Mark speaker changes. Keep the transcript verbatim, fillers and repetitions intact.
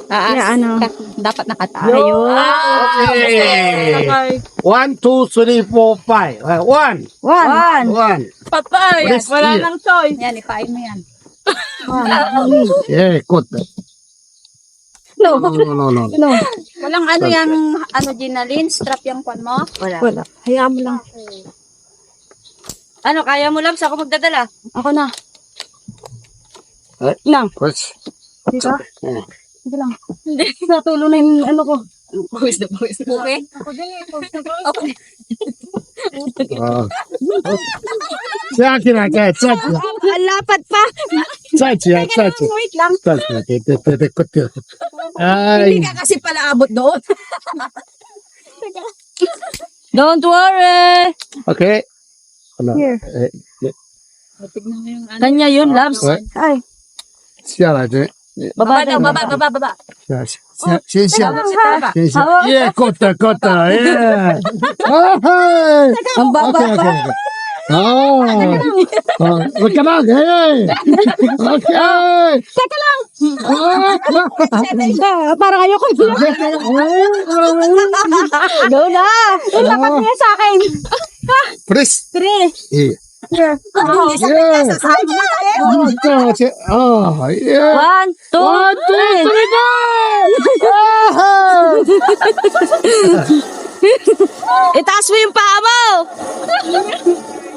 Speaker 1: Taas.
Speaker 2: Yeah, ano?
Speaker 1: Dapat nakataas.
Speaker 2: Ayun.
Speaker 3: Okay. One, two, three, four, five. Uh, One.
Speaker 2: One. One.
Speaker 3: One.
Speaker 4: Patay.
Speaker 3: Please,
Speaker 4: Wala
Speaker 3: yeah.
Speaker 4: nang choice.
Speaker 1: Yan, ipain mo yan.
Speaker 3: Yeah, good.
Speaker 2: No.
Speaker 3: No, no, no, no.
Speaker 2: No.
Speaker 1: Walang ano yung, ano, Ginalyn, strap yung kwan mo?
Speaker 4: Wala.
Speaker 2: Wala. Hayaan mo lang.
Speaker 4: Ano, kaya mo lang? Sa ako magdadala?
Speaker 2: Ako na.
Speaker 3: Eh?
Speaker 2: Lang.
Speaker 3: Push.
Speaker 2: Dito?
Speaker 3: Yeah.
Speaker 2: Sige lang. Natulong na yung ano ko.
Speaker 4: Pawis na pawis.
Speaker 1: Okay? Okay.
Speaker 3: Uh, 加起来，再再起来，
Speaker 2: Ang lapad pa.
Speaker 3: 再起来，再起来，
Speaker 2: Wait lang.
Speaker 3: 再起来，对对对对，good good。
Speaker 4: Hindi
Speaker 3: 哎，
Speaker 4: ka kasi pala abot doon. Don't worry.
Speaker 3: OK。好了，
Speaker 2: Here.
Speaker 3: 哎，
Speaker 1: Tignan mo yung ano.
Speaker 4: Kanya yun, loves.
Speaker 3: 喂，
Speaker 2: Ay.
Speaker 3: 下来这，
Speaker 4: Baba daw, baba, baba, baba.
Speaker 3: 下下先下来，
Speaker 2: Ha?
Speaker 3: 先下。Yeah, good good yeah。哎，
Speaker 2: Ang baba
Speaker 3: OK OK
Speaker 2: pa.
Speaker 3: OK。哦，哦，我干嘛？哎，OK。
Speaker 2: Teka lang. Ah, parang ayoko. Go na. Ang lapad niya sa akin.
Speaker 3: Please。
Speaker 2: Three.
Speaker 3: Eh.
Speaker 2: Here.
Speaker 3: Yeah. Oh,这哦，yeah。
Speaker 4: One, two,
Speaker 3: One, two, three, go!
Speaker 4: itaas mo yung paa mo.